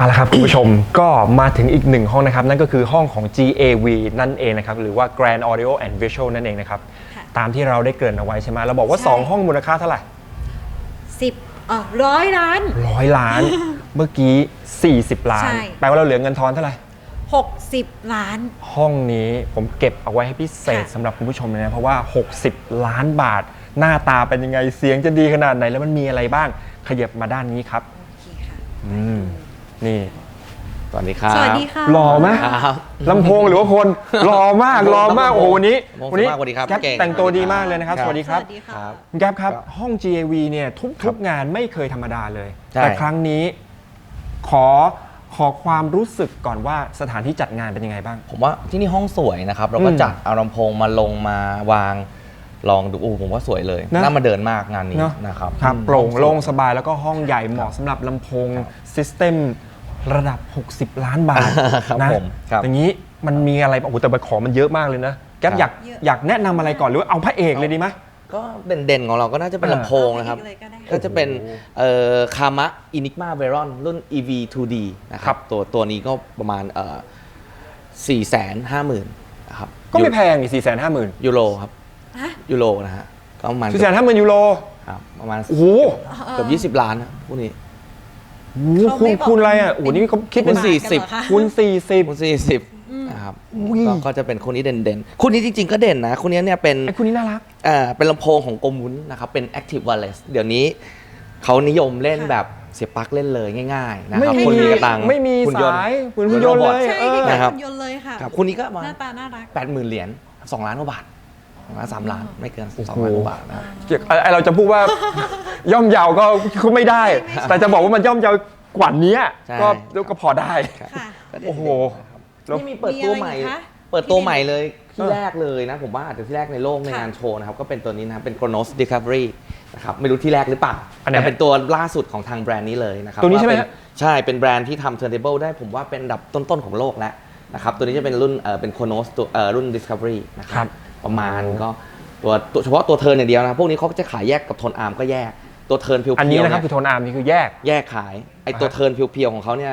เอาละครับคุณผู้ชมก็มาถึงอีกหนึ่งห้องนะครับนั่นก็คือห้องของ GAV นั่นเองนะครับหรือว่า Grand Audio and Visual นั่นเองนะครับตามที่เราได้เกริ่นเอาไว้ใช่ไหมเราบอกว่า2ห้องมูลค่าเท่าไหร่ 100 ล้าน 100 ล้าน เมื่อกี้40 ล้านแปลว่าเราเหลือเงินทอนเท่าไหร่ 60 ล้านห้องนี้ผมเก็บเอาไว้ให้พิเศษสำหรับคุณผู้ชมเลยนะเพราะว่า60 ล้านบาทหน้าตาเป็นยังไงเสียงจะดีขนาดไหนแล้วมันมีอะไรบ้างขยับมาด้านนี้ครับโอเคค่ะนี่สวัสดีครับสวัสดีค่ะหล่อไหมลำโพงหรือว่าคนหล่อมากโอ้โหวันนี้แก๊ปแต่งตัวดีมากเลยนะครับสวัสดีครับแก๊ปครับห้อง GAV เนี่ยทุกงานไม่เคยธรรมดาเลยแต่ครั้งนี้ขอความรู้สึกก่อนว่าสถานที่จัดงานเป็นยังไงบ้างผมว่าที่นี่ห้องสวยนะครับเราก็จัดเอาลำโพงมาลงมาวางลองดูผมว่าสวยเลยน่ามาเดินมากงานนี้นะครับโปร่งโล่งสบายแล้วก็ห้องใหญ่เหมาะสำหรับลำโพงซิสเต็มระดับ60 ล้านบาทนะอย่างนี้มันมีอะไรโอ้โหแต่ของมันเยอะมากเลยนะแก๊ปอยากแนะนำอะไรก่อนหรือว่าเอาพระเอกเลยดีไหมก็เด่นของเราก็น่าจะเป็นลำโพงนะครับก็จะเป็นคามะอินิกมาเวรอนรุ่น EV2D นะครับตัวนี้ก็ประมาณ450,000นะครับก็ไม่แพงนี่450,000 ยูโรครับยูโรนะฮะก็ประมาณ 450,000 ยูโรครับประมาณโอ้โหเกือบ20 ล้านนะพวกนี้คูณอะไรอ่ะโอ้โหนี่เขาคิดเป็น40คูณ40 นะครับก็จะเป็นคนนี้เด่นๆคนนี้จริงๆก็เด่นนะคนนี้เนี่ยเป็นคนนี้น่ารักเป็นลำโพงของโกมุนนะครับเป็น Active Wireless เดี๋ยวนี้เขานิยมเล่นแบบเสียบปลั๊กเล่นเลยง่ายๆนะครับคนมีกระตังไม่มีสายหุ่นยนต์เลยนะครับหุ่นยนต์เลยค่ะคนนี้ก็มาหน้าตาน่ารัก 80,000 เหรียญ2 ล้านกว่าบาท3 ล้านไม่เกิน2 ล้านกว่าบาทนะเราจะพูดว่าย่อมเยาก็ไม่ได้แต่จะบอกว่ามันย่อมเยากว่านี้ก็พอได้โอ้โหนี่มีเปิดตัวใหม่เลยที่แรกเลยนะผมว่าอาจจะที่แรกในโลกในงานโชว์นะครับก็เป็นตัวนี้นะครับเป็น Chronos Discovery นะครับไม่รู้ที่แรกหรือเปล่าแต่เป็นตัวล่าสุดของทางแบรนด์นี้เลยนะครับตัวนี้ใช่ไหมใช่เป็นแบรนด์ที่ทำ Turntable ได้ผมว่าเป็นอันดับต้นๆของโลกแล้วนะครับตัวนี้จะเป็นรุ่นเป็น Chronos ตัวรุ่น Discovery นะครับประมาณก็ตัวเฉพาะตัวเทิร์นอย่างเดียวนะพวกนี้เขาจะขายแยกกับโทนอาร์มก็แยกตัวเทิร์นเพียวๆอันนี้นะครับคือโทนอาร์มนี่คือแยกขายไอตัวเทิร์นเพียวๆของเขาเนี่ย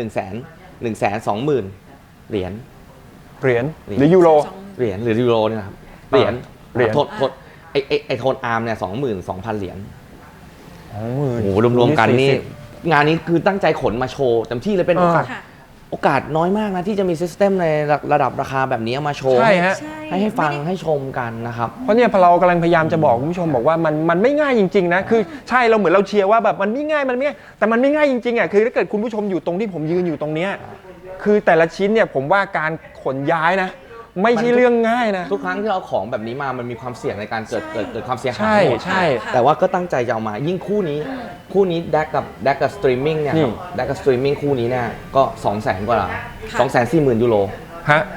120,000 เหรียญหรือยูโรเหรียญหรือยูโรเนี่ยครับเหรียญโทษไอโทนอาร์มเนี่ย22,000 เหรียญโอ้โหรวมๆกันนี่งานนี้คือตั้งใจขนมาโชว์เต็มที่เลยเป็นโอกาสน้อยมากนะที่จะมีซิสเต็มในระดับราคาแบบนี้มาโชว์ให้ฟังให้ชมกันนะครับเพราะเนี่ยเรากำลังพยายามจะบอกคุณผู้ชมบอกว่ามันไม่ง่ายจริงๆนะคือใช่เราเหมือนเราเชียร์ว่าแบบมันไม่ง่ายแต่มันไม่ง่ายจริงๆอ่ะคือถ้าเกิดคุณผู้ชมอยู่ตรงที่ผมยืนอยู่ตรงเนี้ยคือแต่ละชิ้นเนี่ยผมว่าการขนย้ายนะไม่ใช่เรื่องง่ายนะทุกครั้งที่เราของแบบนี้มามันมีความเสี่ยงในการเกิดความเสียหายใช่แต่ว่าก็ตั้งใจจะเอามายิ่งคู่นี้แดกกับสตรีมมิ่งเนี่ยแดกกับสตรีมมิ่งคู่นี้เนี่ยก็200,000 กว่า240,000 ยูโรฮะ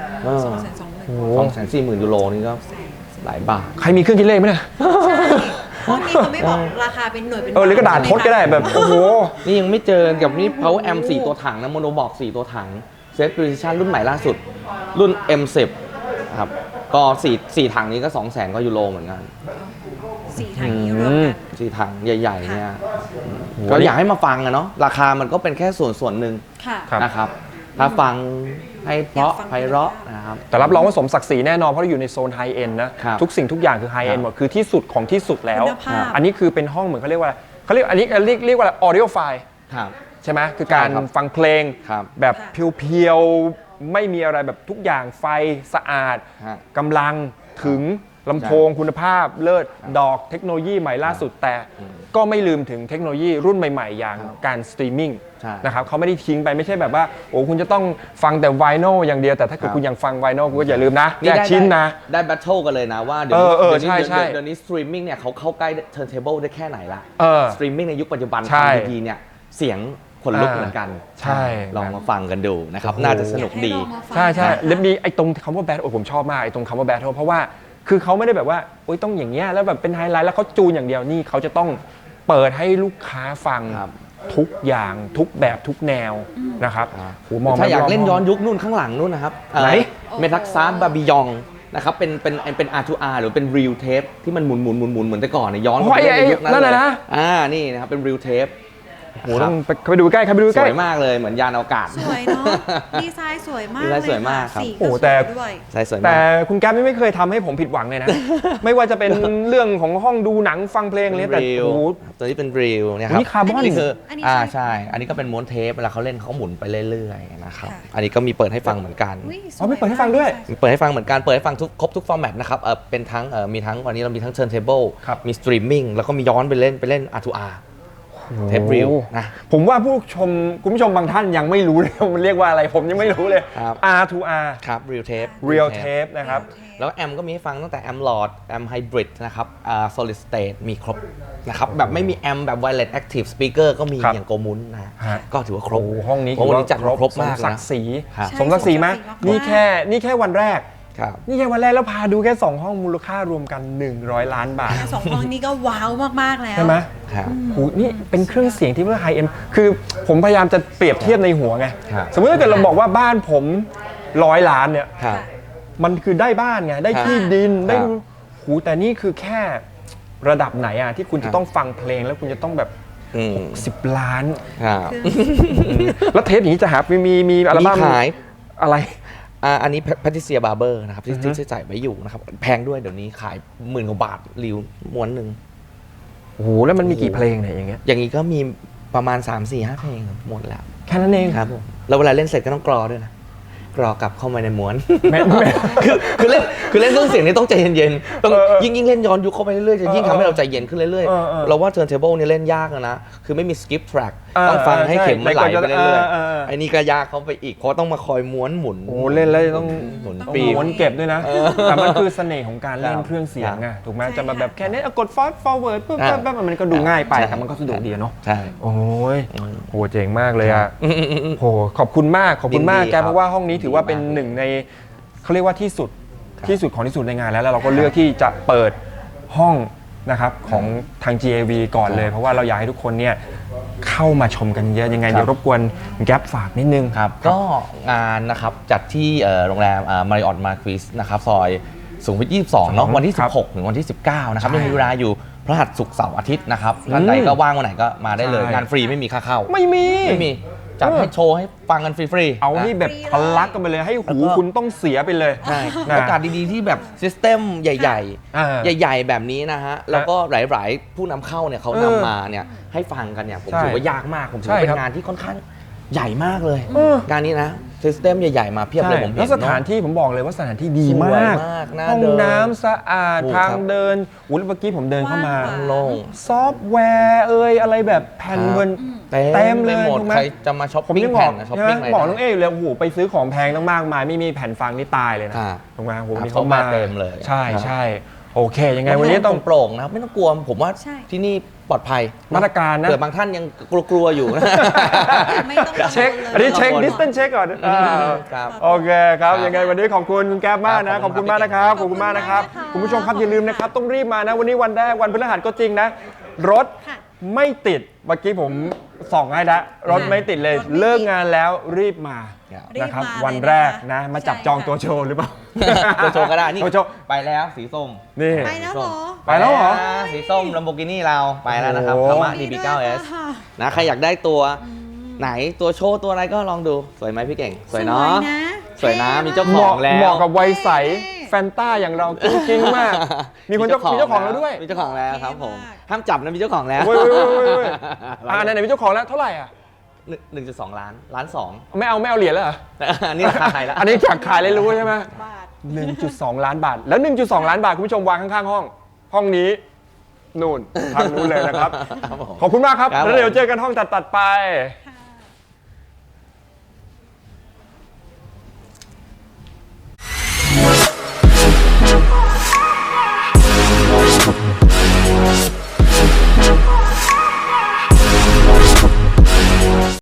240,000 ยูโรนี่ก็หลายบาทใครมีเครื่องคิดเลขไหมเนี่ยห้องนี้เขาไม่บอกราคาเป็นหน่วยเป็นหรือกระดาษทดก็ได้แบบโอ้โหนี่ยังไม่เจอกับนี่ Power Amp 4 ตัวถังนะโมโนบอก4 ตัวถังเซต Precision รุ่นใหม่ล่าสุดรุ่น M10 ครับก็4 ถังนี้ก็200,000 กว่ายูโรเหมือนกัน 4 ถังนี้รวมกัน 4 ถังใหญ่ๆเนี่ยก็อยากให้มาฟังอะเนาะราคามันก็เป็นแค่ส่วนหนึ่งนะครับถ้าฟังให้เพราะไพเราะนะครับแต่รับรองว่าสมศักดิ์ศรีแน่นอนเพราะเราอยู่ในโซนไฮเอ็นนะทุกสิ่งทุกอย่างคือไฮเอ็นหมดคือที่สุดของที่สุดแล้วอันนี้คือเป็นห้องเหมือนเขาเรียกว่าอันนี้เรียกว่า audio file ใช่ไหมคือการฟังเพลงแบบเพียวๆไม่มีอะไรแบบทุกอย่างไฟสะอาดกำลังถึงลำโพงคุณภาพเลิศดอกเทคโนโลยีใหม่ล่าสุดแต่ก็ไม่ลืมถึงเทคโนโลยีรุ่นใหม่ๆอย่างการสตรีมมิ่งนะครับเขาไม่ได้ทิ้งไปไม่ใช่แบบว่าโอ้คุณจะต้องฟังแต่ไวโนลอย่างเดียวแต่ถ้าเกิดคุณยังฟังไวโนลคุณก็อย่าลืมนะแยกชิ้นนะได้แบทเทิลกันเลยนะว่าเดี๋ยวนี้สตรีมมิ่งเนี่ยเขาเข้าใกล้เทิร์นเทเบิลได้แค่ไหนละสตรีมมิ่งในยุคปัจจุบันฟังดีๆเนี่ยเสียงขนลุกเหมือนกันใช่ลองมาฟังกันดูนะครับน่าจะสนุกดีใช่แล้วมีไอ้ตรงคำว่าแบทผมชอบมากไอ้ตรงคำว่าแบทเพราะว่าคือเขาไม่ได้แบบว่าโอ๊ยต้องอย่างเงี้ยแล้วแบบเป็นไฮไลท์แล้วเขาจูนอย่างเดียวนี่เขาจะต้องเปิดให้ลูกค้าฟังทุกอย่างทุกแบบทุกแนวนะครับถ้าอยากเล่นย้อนยุคนู่นข้างหลังนู่นนะครับไหนเมทักซาร์บาบิยองนะครับเป็น R2R หรือเป็น Real Tape ที่มันหมุนเหมือนแต่ก่อนเนี่ยย้อนไปในยุคนั้นเลยนี่นะครับเป็น Real Tape โอ้โหต้องไปดูใกล้ครับไปดูสใกล้วยมากเลยเหมือนยานอวกาศสวยเนาะดีไซน์สวยมากดีเลไซยน์สวยมากครับสีโอ้ก็สแต่วยด้วยใช่สวยแต่มากคุณแก๊ปไม่เคยทำให้ผมผิดหวังเลยนะ ไม่ว่าจะเป็นเรื่องของห้องดูหนังฟังเพลงเลยแต่รีวโอ้โหตัวนี้เป็นรีวเนี่ยครับนี่คาร์บอนนี่คืออันนี้ใช่ อันนี้ก็เป็นม้วนเทปเวลาเขาเล่นเขาหมุนไปเรื่อยๆนะครับค่ะอันนี้ก็มีเปิดให้ฟังเหมือนกันอุ๊ยสอ๋อไม่เปิดให้ฟังด้วยเปิดให้ฟังเหมือนกัน เปิดให้ฟังครบทุกฟอร์แมตนะครับเป็นทั้งมีทั้งวันนี้เรามีทั้ง turntable ครับมี streaming แล้วก็มีย้อนไปเล่น R2R เทปรีวนะผมว่าคุณผู้ชมบางท่านยังไม่รู้เลยว่ามันเรียกว่าอะไรผมยังไม่รู้เลยครับ R to R ครับ real tape real tape นะครับแล้วแอมก็มีให้ฟังตั้งแต่แอมหลอดแอมไฮบริดนะครับsolid state มีครบนะครับแบบไม่มีแอมแบบ wireless active speaker ก็มีครับอย่างโกมุนนะฮะก็ถือว่าครบโอ้ห้องนี้ห้องนี้จัดมาครบมากสมศักนะดิ์ศรีครับสมศักดิ์ศรีไหมใช่สมศักดิ์ศรีมากนี่แค่วันแรกครับนี่แค่วันแรกแล้วพาดูแค่ 2 ห้องมูลค่ารวมกัน 100 ล้านบาทสองห้องนี้ก็ว้าวมากๆแล้วใช่ไหมครับโอ้โหนี่เป็นเครื่องเสียงที่ว่าไฮเอ็นคือผมพยายามจะเปรียบเทียบในหัวไงครับสมมติถ้าเกิดเราบอกว่าบ้านผม100 ล้านเนี่ยครับมันคือได้บ้านไง ได้ครับที่ดิน ได้ครับหูแต่นี่คือแค่ระดับไหนอะที่คุณครัจะบต้องฟังเพลงแล้วคุณจะต้องแบบอืม 10 ล้านครับแล้วเทปอย่างนี้จะหามีอัลบั้มมีขายอะไรอันนี้แพทริเซียบาร์เบอร์นะครับที่อือฮึที่จ่ายไว้อยู่นะครับแพงด้วยเดี๋ยวนี้ขาย10,000 กว่าบาทริวม้วนหนึ่งโอ้โหแล้วมันมีกี่เพลงเนี่ยอย่างเงี้ยอย่างนี้ก็มีประมาณ 3-4-5 เพลงหมดแล้วแค่นั้นเองครับผมแล้วเวลาเล่นเสร็จก็ต้องกรอด้วยนะกรอกลับเข้ามาในม้วนแม่แม่คือเล่นเครื่องเสียงนี่ต้องใจเย็นๆต้อง ยิ่งเล่นย้อนยุคเข้าไปเรื่อยๆจะยิ่งเออทำให้เราใจเย็นขึ้นเรื่อยเออๆเราว่า turntable เนี่ยเล่นยากนะคือไม่มี skip track เออต้องฟังให้ใช่เข็มมันไหลไปเรื่อยเออๆไอ้นี่ก็ยากเข้าไปอีกเพราะต้องมาคอยม้วนหมุนโอ้เล่นแล้วต้องหมุนต้องปีม้วนเก็บด้วยนะ แต่มันคือเสน่ห์ของการเล่นครับเครื่องเสียงไงถูกไหมใช่จะมาแบบค่ะแค่นี้กด fast forward ปุ๊บอ่าปั๊บมันก็ดูง่ายไปใช่แต่มันก็สะดวกดีอะเนาะใช่โอ้ยโหเจ๋งมากเลยอ่ะอืมโหขอบคุณมากยินดีแกครับเพราะว่าห้องนี้ถือว่าเป็นดีมากหนึ่งในเขาเรียกว่าที่สุดครับที่สุดของที่สุดในงานแล้วเราก็เลือกที่จะเปิดห้องนะครับของทาง GAV ก่อนเลย เพราะว่าเราอยากให้ทุกคนเนี่ยเข้ามาชมกันเยอะยังไงครับเดี๋ยวรบกวนแก๊ปฝากนิดนึงครับก็งานนะครับจัดที่โรงแรมมาริออตมาควิสนะครับซอยสุขุมวิท22เนาะวันที่ครับ 16 ถึงวันที่ 19 นะครับใช่ยังมีเวลาอยู่พฤหัสศุกร์เสาร์อาทิตย์นะครับท่านใดก็ว่างวันไหนก็มาได้เลยใช่งานฟรีไม่มีค่าเข้าไม่มีไม่มีจัดให้โชว์ให้ฟังกันฟรีๆเอานี่นะแบบทะลักกันไปเลยให้หูแล้วก็คุณต้องเสียไปเลยใช่นะโอกาสดีๆที่แบบซิสเต็มใหญ่อ่าๆ ใหญ่ๆ แบบนี้นะฮะ แล้วก็หลายๆ ผู้นำเข้าเนี่ยเขานำมาเนี่ยให้ฟังกันเนี่ยผมใช่ถือว่ายากมาก ผมถือใช่ว่าเป็ครับนงานที่ค่อนข้างใหญ่มากเลยเอองานนี้นะซิสเต็มใหญ่ๆ มาเพียบเลยผมเห็นแล้วสถานเอะที่ผมบอกเลยว่าสถานที่ดีสวยมากมากน่าห้องเดินน้ำสะอาดถูกทางครับเดินอุ้ยเมื่อกี้ผมเดินเข้ามากว้างโล่งซอฟต์แวร์อะไรแบบแผ่นเงิน เต็เต็มมเลเลย ยหมดถูกไหมใครจะมาช้อปผมปิ้งยังบแผ่อกนนะช้อปใช่ไหมปิ้งอะไรบอกน้องเอ๋เลยโอ้โหไปซื้อของแพงตั้งมากมายไม่มีแผ่นฟังนี่ตายเลยนะอ่าถูกไหมโอ้โหครับนี่เขามาเขามาเต็มเลยใช่ครับใช่โอเค ยังไงวันนี้ต้องโปร่งๆนะครับไม่ต้องกลัวผมว่าใช่ที่นี่ปลอดภัยมาตรการนะเผื่อบางท่านยังกลัวๆอยู่นะไม่ต้องกังวลเช็คลยอันนี้เช็คกังวล distance เช็คก่อนครับโอเคครับครับยังไงวันนี้ขอบคุณคุณแก๊ปมากนะคขรัอบบคุณมากนะครับ ขขออบบคุคุณณมากนะครับมากนะคะคุณผู้ชมครับอย่าลืมนะครับต้องรีบมานะวันนี้วันแรกวันพฤหัสก็จริงนะ รถค่ะไม่ติดเมื่อกี้ผมส่องให้แล้วรถไม่ติดเลยรถไม่ติดเลิกงานแล้วรีบมาครับนะครับรีบมาเลยวันแรกนะนะคะมาจับใช่จองค่ะตัวโชว์หรือเปล่าตัวโชว์ก็ได้นี่ตัวโชว์ไปแล้วสีส้มนี่ไปแล้วเหรอไปแล้วเหรอสีส้ม Lamborghini เราไปแล้วนะครับโอ้โหคามะดีด้วย DB9S ค่ะนะใครอยากได้ตัวไหนตัวโชว์ตัวอะไรก็ลองดูสวยไหมพี่เก่ง สวยเนาะ สวยนะมีเจ้าเหของมาะแล้วเหมาะกับวัยใสเท่แฟนต้าอย่างเราจริงๆมาก มีคนมีเจ้าของแล้วด้วยมีเจ้าของแล้วครับผมเท่มากห้ามจับนะมีเจ้าของแล้วเว้ยไหนๆมีเจ้าของแล้วเท่าไหร่อ่ะ 1.2 ล้านล้านสองไม่เอาเหรียญแล้วเหรออันนี้ราคาไทยแล้วอันนี้อยากขายเลยรู้ใช่ไหมบาท 1.2 ล้านบาท แล้ว 1.2 ล้านบาท คุณผู้ชมวางข้างๆห้องนี้ นู่นทางนู้นเลยนะครับครับผมขอบคุณมากครับครับผมแล้วเดี๋ยวเจอกันห้องตัดไป